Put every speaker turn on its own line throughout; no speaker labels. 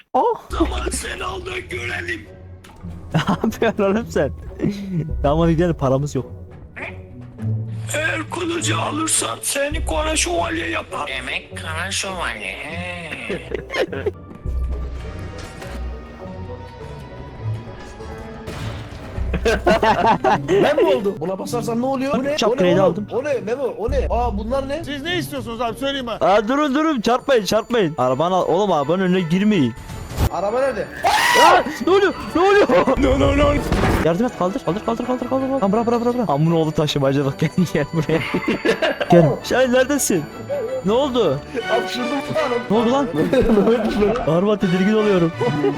Oh.
Zaman sen al da görelim.
Ne yapıyorsun oğlum sen? Tamam hadi gidelim, paramız yok.
Eğer kılıcı alırsan seni kara şövalye yapar.
Demek kara şövalye. He.
Ben mi oldu? Buna basarsan ne oluyor? Bu ne?
Şapkayı da
oğlum?
aldım.
O ne Memo? O ne? Aa bunlar ne?
Siz ne istiyorsunuz abi söyleyin bana.
Aa, durun çarpmayın çarpmayın. Arabanı al oğlum, arabanın önüne girmeyin.
Araba nerede?
Aa, ne oluyor? Ne oluyor?
No.
Yardım et, kaldır. Tamam, bırak. Amına oğlu taşımacılık, gel buraya. Gel. Şahin neredesin? Ne oldu?
Hapşırdım falan.
Ne oldu lan? Araba, tedirgin oluyorum.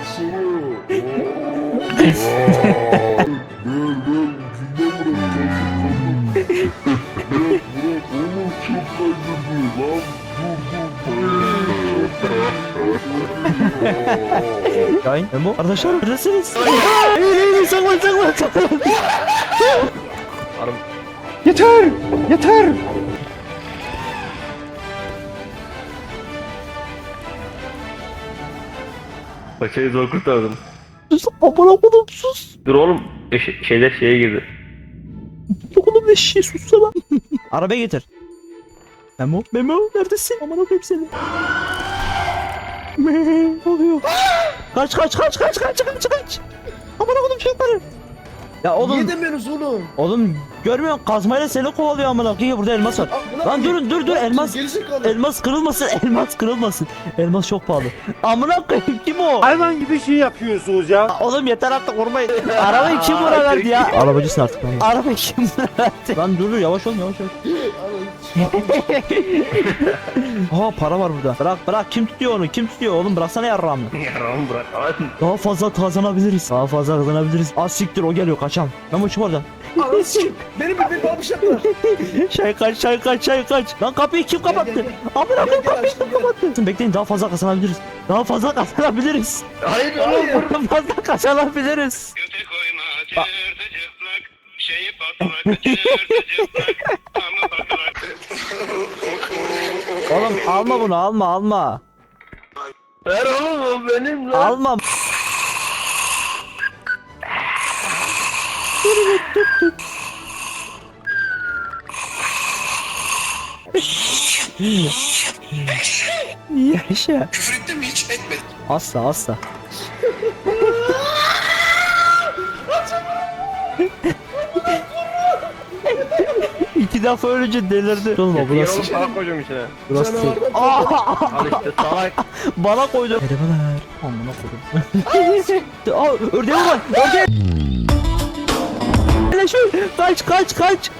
Şahin, Memo, arkadaşlar neredesiniz? İyi, saklan.
Yeter.
Paçayı zor kurtardım.
Sus, amına kodum sus.
Dur oğlum, şeyler şeye girdi.
Oğlum ne şişe, sussana. Arabaya getir. Memo neredesin? Amına koyayım seni. Ne oluyor? Kaç. Amına kodum çocukları. Ya
Niye
oğlum,
demiyorsunuz oğlum?
oğlum görmüyor musun? Kazmayla seni kovalıyor amına koyayım. Burada elmas var. Lan dur, elmas.
Gerizekalı.
Elmas kırılmasın. Elmas çok pahalı. Amına koyayım, kim o?
Hayvan gibi şey yapıyorsunuz ya.
Oğlum yeter artık, vurmayın. Arabayı kim vura verdi ya? Arabacısın artık lan. Arabayı kim vura verdi? Lan dur, yavaş ol. Aa, para var burada. Bırak, kim tutuyor onu? Oğlum bıraksana yarrağımı.
Yaramı bırak lan.
Daha fazla kazanabiliriz. Az siktir, o geliyor, kaçam. Memo çık oradan.
Ananı sikeyim. Beni almışlar.
Çay kaç. Lan kapıyı kim kapattı?
Gel.
Amına koyayım,
Gel,
kapıyı
açtım,
kim kapattı? Bekleyin, daha fazla kazanabiliriz.
Hayır
Daha fazla kazanabiliriz.
Göte koyma cırtıcıklık. Şeyi patlak cırtıcıklık. Ama patlak.
Oğlum alma bunu, alma.
ver oğlum, o benim lan.
Alma. Yaşa.
Küfür ettin mi hiç? Etmedim.
Asla. İki defa ölünce delirdi. Olma
Yer
burası.
oğlum, para koyacağım içine.
Burası.
Canavardan
Al işte salak.
Bana koydu. Merhabalar. Amına koydum. Aa, ördeğe var. Ördeğe. Hele şu. Kaç.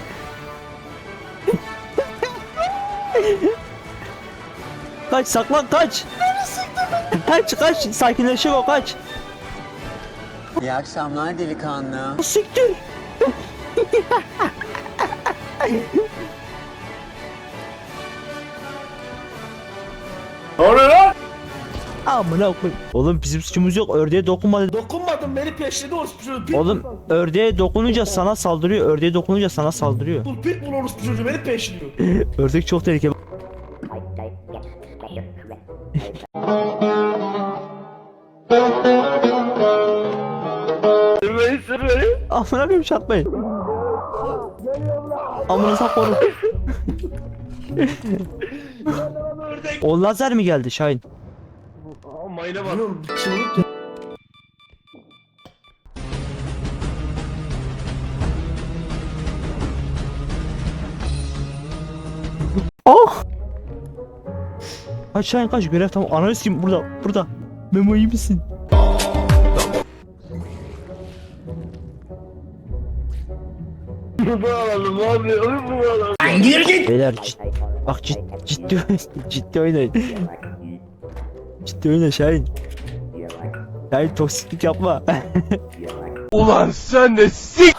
Kaç, saklan, kaç. Kaç. Sakinleşik o, kaç.
İyi akşamlar delikanlı.
Siktir.
Ne oluyor lan?
Amına koy. Oğlum bizim suçumuz yok. Ördeğe dokunma dedi.
Dokunmadım, beni peşledi orospu çocuğu.
Oğlum ördeğe dokununca sana saldırıyor.
Pitbull orospu çocuğu beni peşliyor.
Ördek çok tehlikeli.
Sür beni.
Amına koyayım, çarpmayın. Amına saplarım. O lazer mi geldi Şahin?
Aa, mayına bak.
Oğlum çığlık ya.
Oh! Kaç Şahin, kaç, görev tamam. Analiz kim? Burada. Memo, iyi misin?
Bunu alalım abi. Bunu alalım.
Beyler bak ciddi oynayın. Ciddi oyna Şahin. Şahin, toksiklik yapma.
Ulan sen de sik.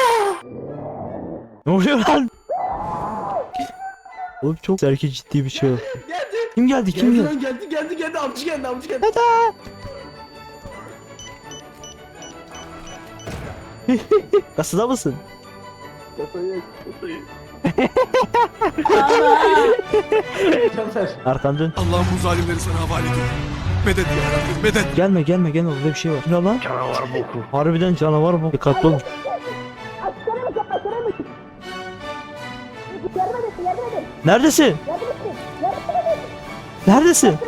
Ne oluyor lan? Oğlum çok erkek, ciddi bir şey yok. Kim geldi?
Geldi lan, geldi. Avcı geldi.
Kasada mısın? Arkan dön.
Allah'ım bu zalimleri sana havale ediyorum. medet ya. Medet.
Gelme orada bir şey var. Ne lan?
Canavar boku.
Harbiden canavar bu. Dikkatli olun. Neredesin? Neredesin?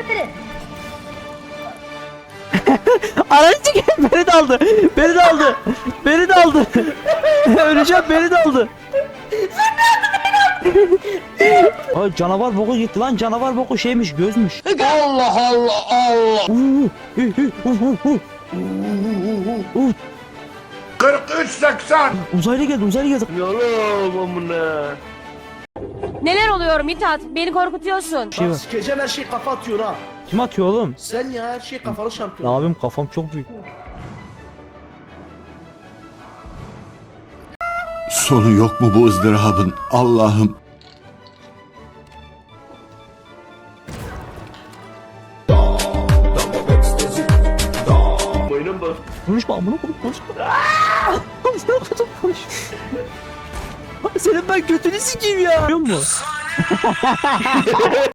Aracı gel, beni de aldı. Beni de aldı. Beni de aldı. Öleceğim, beni de aldı. Ay canavar boku gitti lan, canavar boku şeymiş, gözmüş.
Allah Allah Allah. 43-80.
Uzaylı geldi.
Yalan amına.
Neler oluyor Mithat? Beni korkutuyorsun.
Şey var.
Bak sikeceğim her şey kafa atıyor ha.
Kim atıyor oğlum?
Sen ya her şey kafalı
Ne
şampiyon.
yapayım, kafam çok büyük.
Sonu yok mu bu ızdırabın Allah'ım?
Mayına bak.
Konuşma amına koyup konuşma. Amına koyup konuşma. Senin ben götünü sikeyim ya. Biliyor musun?